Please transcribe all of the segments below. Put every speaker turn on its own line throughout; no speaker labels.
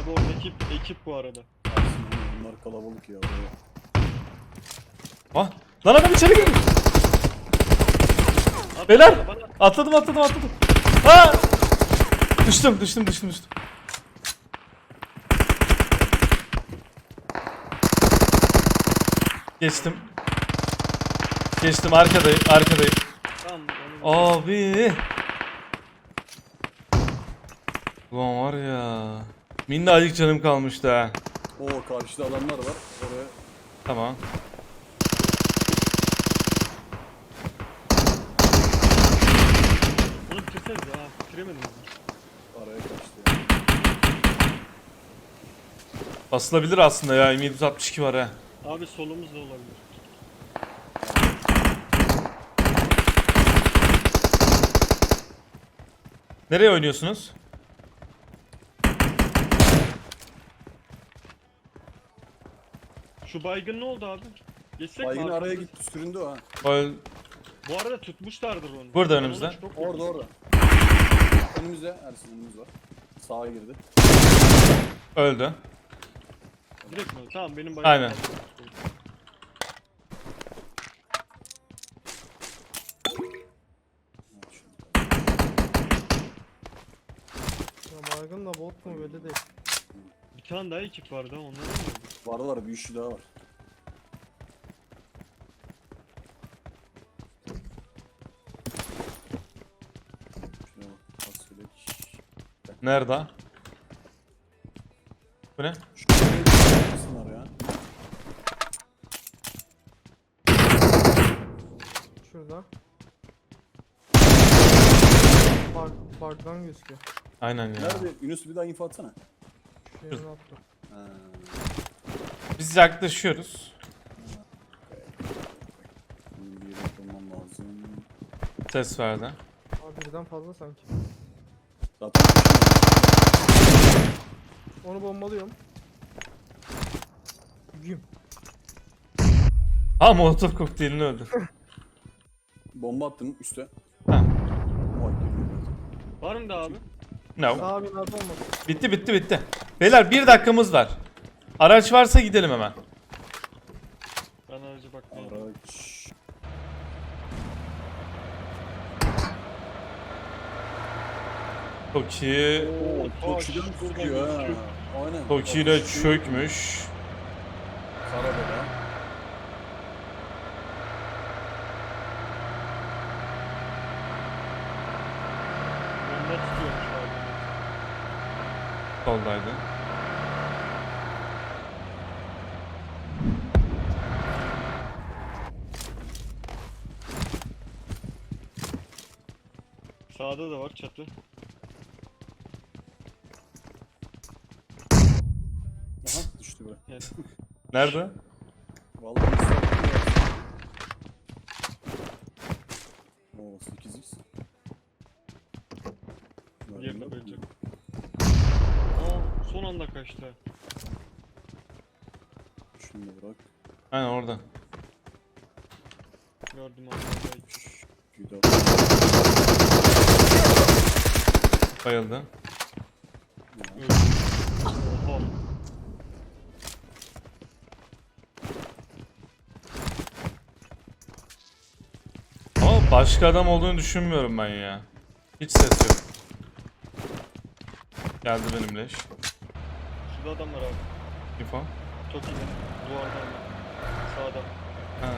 Abi oradaki ekip bu arada.
Bunlar kalabalık ya.
Ah! Lan adam içeri girdi.
At
Beyler!
bana.
Atladım. Ha! Düştüm. Geçtim arkadayım.
Tamam. onu-
Abi. Ulan var ya. Minnacık canım kalmıştı ha.
Oo karşıda adamlar var. Oraya
Tamam.
Bunu bitirseniz ha. Bitiremediniz mi?
araya kaçtı ya.
Basılabilir aslında ya. M762 var ha.
Abi solumuz da olabilir.
Nereye oynuyorsunuz?
Şu baygın ne oldu abi? Geçsek
Baygın
mi abi?
araya gitti süründü ha.
Bu arada tutmuşlardır onu.
Burada
Ben
önümüzde.
ona çok
Orada. Önümüzde. Ersin önümüz var. Sağa girdi.
Öldü.
Direkt mi? Tamam benim baygın.
Aynen.
Ya baygın da bot mu belli değil.
Bir tane daha ekip vardı ha, onlara ne oldu?
Var bir üçlü daha var. Şuna bak. Fasulye.
Nerede? Bu ne?
Şuraya gitsinler ya.
Şurada. Bug'dan gözüküyor.
Aynen ya.
Nerede? Yunus bir daha info atsana.
Şu yerine attım.
Ha.
Biz yaklaşıyoruz.
Benim bir yere bulmam lazım.
Ses verdi.
Abi birden fazla sanki.
Zaten
Onu bombalıyorum. Güm.
Ha, Molotov kokteylini öldü.
bomba attım üste.
Ha.
Vay girdi.
Var mı da abi?
No.
Daha binada olmadı.
Bitti. Beyler 1 dakikamız var. Araç varsa gidelim hemen.
Ben aracı bakmayayım.
Araç.
Toki.
Toki'den sıkıyor ha. Aynen.
Toki ile çökmüş.
Karabela.
Bomba tutuyormuş abi.
Soldaydı.
Sağda da var çatı.
Aha düştü be.
Yani
Nerede?
Vallahi müsait. Oo 8x.
yerine koyacak. Aa, son anda kaçtı.
Şunu da bırak.
Aynen orada.
Gördüm abi.
Güzel.
Bayıldı.
Oha.
Ama başka adam olduğunu düşünmüyorum ben ya. Hiç ses yok. Geldi benimle iş.
Şurada adam var abi.
Info.
Çok iyi. Duvardan. Sağda.
Ha.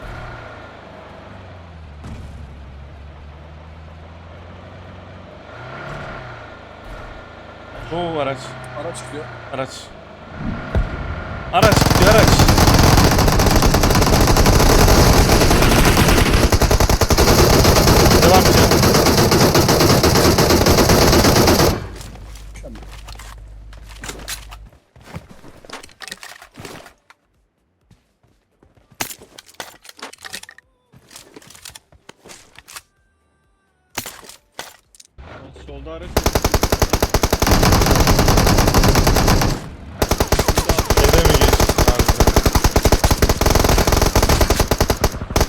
Bu araç.
Araç gidiyor.
Araç. Araç gidiyor araç. Devam edeceğim.
Mükemmel.
Solda araç.
Eve mi geç? Harbiden.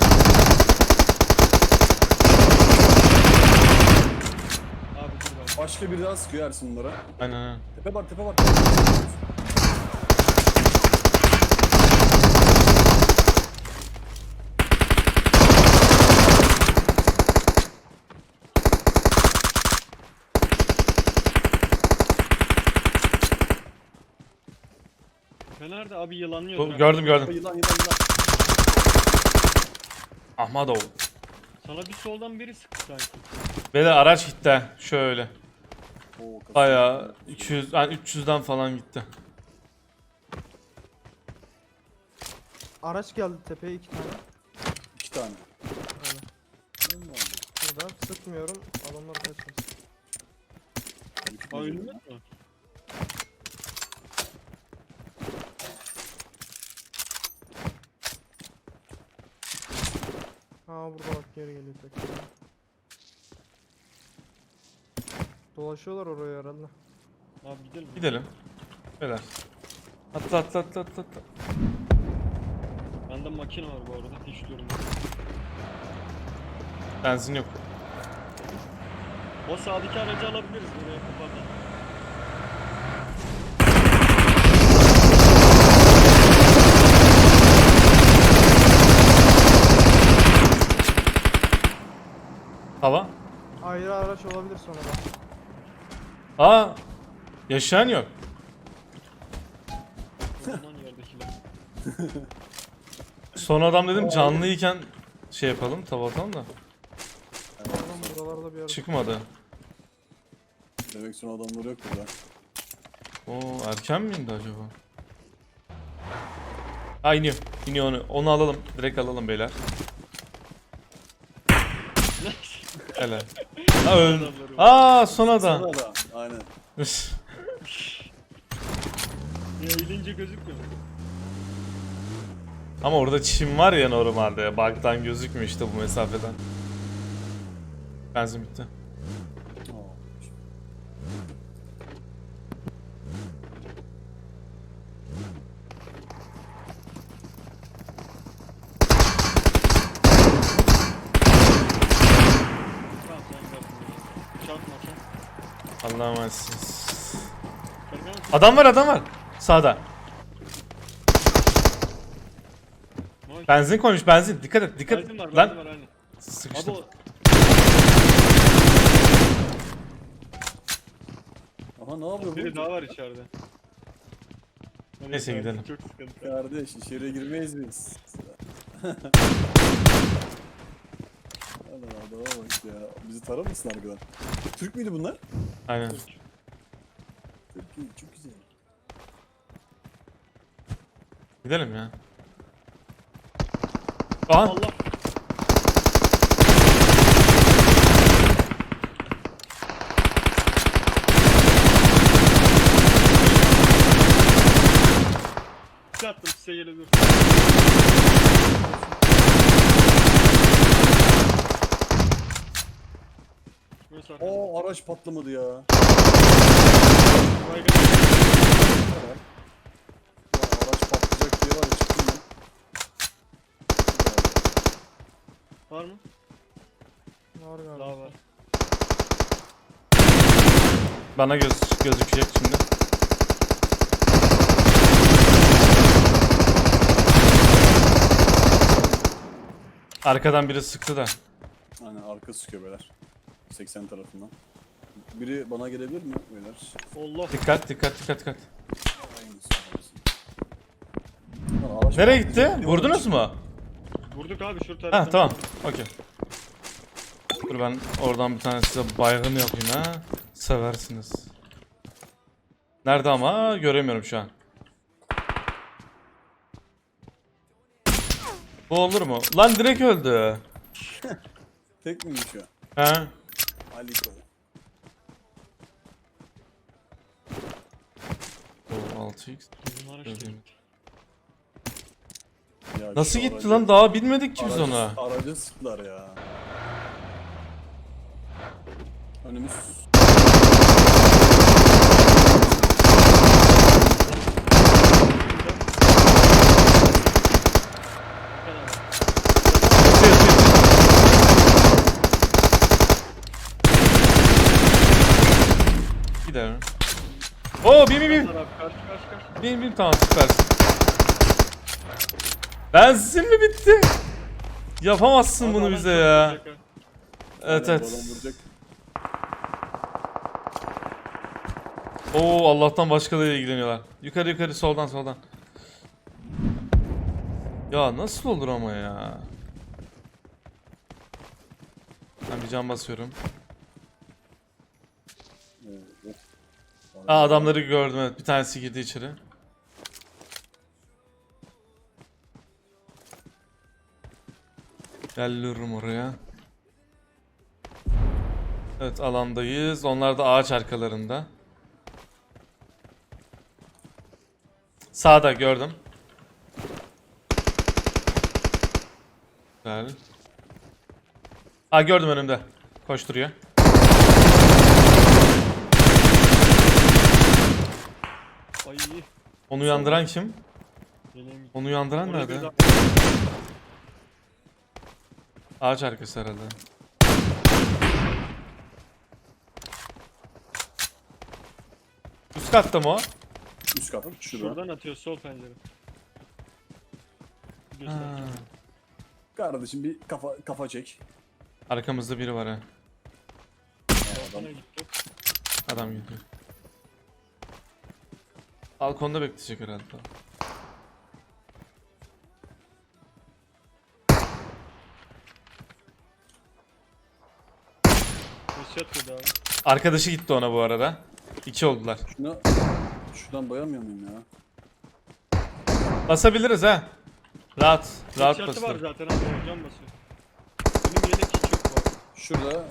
Abi dur ben.
Başka Başka biri daha sıkıyor Ersin bunlara.
Aynen.
Tepe var tepe var.
Nerede abi yılanlıyor.
Gördüm.
Yılan yılan yılan.
Ahmadov.
Sana bir soldan biri sıktı sanki.
Beyler araç gitti. Şöyle.
Oo, kasıyor.
Bayağı 200, yani 300'den falan gitti.
Araç geldi tepeye 2 tane.
2 tane.
Aynen. Burada sıkmıyorum. Adamlar kaçmasın.
Aa önünde mi?
Ha burada bak geri geliyor tekrar. Dolaşıyorlar oraya herhalde.
Abi gidelim.
Gidelim. Beyler. Atla.
Bende makine var bu arada. Hiç durmuyor.
Benzin yok.
O sağdaki aracı alabiliriz buraya kapatalım.
Hava.
Ayrı araç olabilir sonra da.
Aa. Yaşayan yok.
O zaman yerdekiler.
Son adam dedim canlıyken şey yapalım, tava atalım da.
Adam buralarda bir yerde.
Çıkmadı.
Demek sonra adamları yok burada.
Oo erken mi indi acaba? Ha iniyor. İniyor onu. Onu alalım. Direkt alalım beyler. Helal. Ha öldü. Aa son adam.
Sonra da aynen.
Ya eğilince gözükmüyor.
Ama orada çim var ya normalde. Bug'dan gözükmüyor işte bu mesafeden. Benzin bitti.
Oo.
Tamam sen gel. Çarpma sen.
Allah'a emanetsiniz.
Serkan
Adam var. Sağda.
Mavi.
Benzin koymuş benzin. Dikkat et.
Benzin var,
Lan
benzin var aynen.
sıkıştım.
Abi o
Aha ne yapıyor
biri
bu?
daha var içeride.
Neyse, gidelim.
Çok sıkıntı.
Kardeş içeriye girmeyiz biz. Allah adama bak ya. Bizi taramasın arkadan. Türk müydü bunlar?
Aynen.
Türk iyi, çok güzel.
Gidelim ya. Aha.
Allah. Bir attım size gelebilir. Burası arkada.
Oo araç patlamadı ya.
Baygın.
Lan araç patlayacak diye var ya çıktım ben.
Var mı?
Var galiba.
Daha var.
Bana gözükecek şimdi. Arkadan biri sıktı da.
Aynen arka sıkıyor beyler. 80 tarafından. Biri bana gelebilir mi beyler?
Allah.
Dikkat.
Aynısı. Lan araç
Nereye
patlayacak
gitti?
diye
Vurdunuz mu?
Vurduk abi şu taraftan.
Ha tamam. Okey. Dur ben oradan bir tane size baygın yapayım ha. Seversiniz. Nerede ama göremiyorum şu an. Bu olur mu? Lan direkt öldü.
Tek miymiş o?
He.
Aliko.
O 6x.
Bizim araç değil.
Ya
Nasıl
şu
gitti
aracı-
lan? Daha bilmedik ki biz
aracı-
ona.
Aracı sıktılar ya. Önümüz.
Oo bin.
Taraf kaç kaç kaç.
Bin tamam süpersin. Benzin mi bitti? Yapamazsın
Abi
bunu
adam
bize
çok
ya.
vuracak ha.
Evet
Aynen,
evet.
bu adam vuracak.
Oo Allah'tan başkalarıyla ilgileniyorlar. Yukarı soldan. Ya nasıl olur ama ya? Ben bir can basıyorum.
Oo, of.
Aa adamları gördüm evet. Bir tanesi girdi içeri. Geliyorum oraya. Evet alandayız. Onlar da ağaç arkalarında. Sağda gördüm. Güzel. Aa gördüm önümde. Koşturuyor.
Ay
Onu uyandıran kim?
geleyim.
Onu uyandıran
Oraya bir
nerede?
daha-
Ağaç arkası herhalde. Üst katta mı o?
Üst kat. Şurada.
Şuradan atıyor sol pencere. Göster.
Ha.
Kardeşim bir kafa çek.
Arkamızda biri var ha.
Balkona gitti.
Adam gidiyor. Balkonda bekleyecek herhalde.
Headshot yedi abi.
Arkadaşı gitti ona bu arada. 2 oldular.
Şuradan bayamıyor muyum ya?
Basabiliriz ha. Rahat
Headshot'ı var
basılır.
zaten abi. Can basıyor. Benim yelek hiç yok bu arada.
Şurada.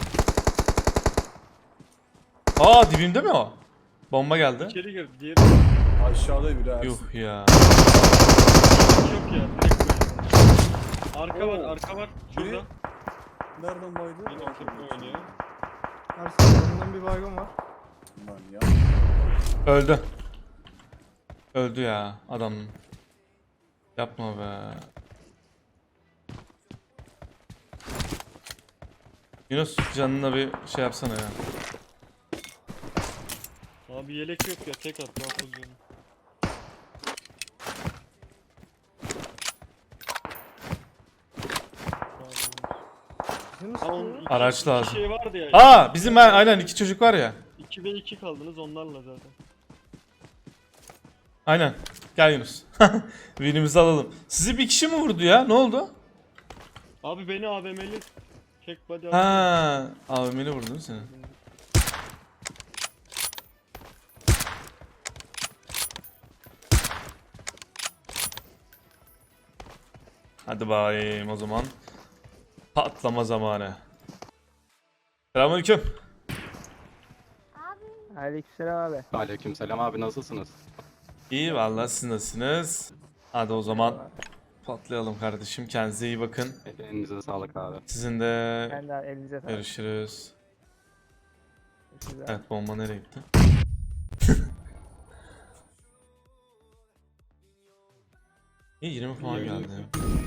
Aa dibimde mi o? Bomba geldi.
İçeri girdi. Diğeri
Aşağıda biri. Ersin.
Yuh ya.
hiç yok ya. Direkt böyle. Arka var,
Oo.
arka var. Şurada.
Biri- Nereden baydı?
Benim takımda oynuyor.
Ersin yanından bir baygın var.
Lan ya.
Öldü. Öldü ya adam. Yapma be. Yunus canına bir şey yapsana ya.
Abi yelek yok ya. Tek at. Ben full canım.
Bizi mi
Ha, onun
sıkıyor?
iki-
Araç
iki
lazım.
şey vardı ya.
Aa bizim ben aynen 2 çocuk var ya.
2 ve 2 kaldınız onlarla zaten.
Aynen. Gel Yunus. Winimizi alalım. Sizi bir kişi mi vurdu ya? Ne oldu?
Abi beni AVM'li tek body attı.
Ha, abi beni vurdun seni. Hadi bakayım o zaman. Patlama zamanı. Selamünaleyküm.
Aleykümselam abi.
Aleykümselam abi nasılsınız?
İyi vallahi siz nasılsınız? Hadi o zaman patlayalım kardeşim. Kendinize iyi bakın.
Elinize sağlık abi.
Sizin de
Ben de elinize sağlık.
görüşürüz.
Görüşürüz abi.
Evet bomba nereye gitti? İyi 20 falan geldi.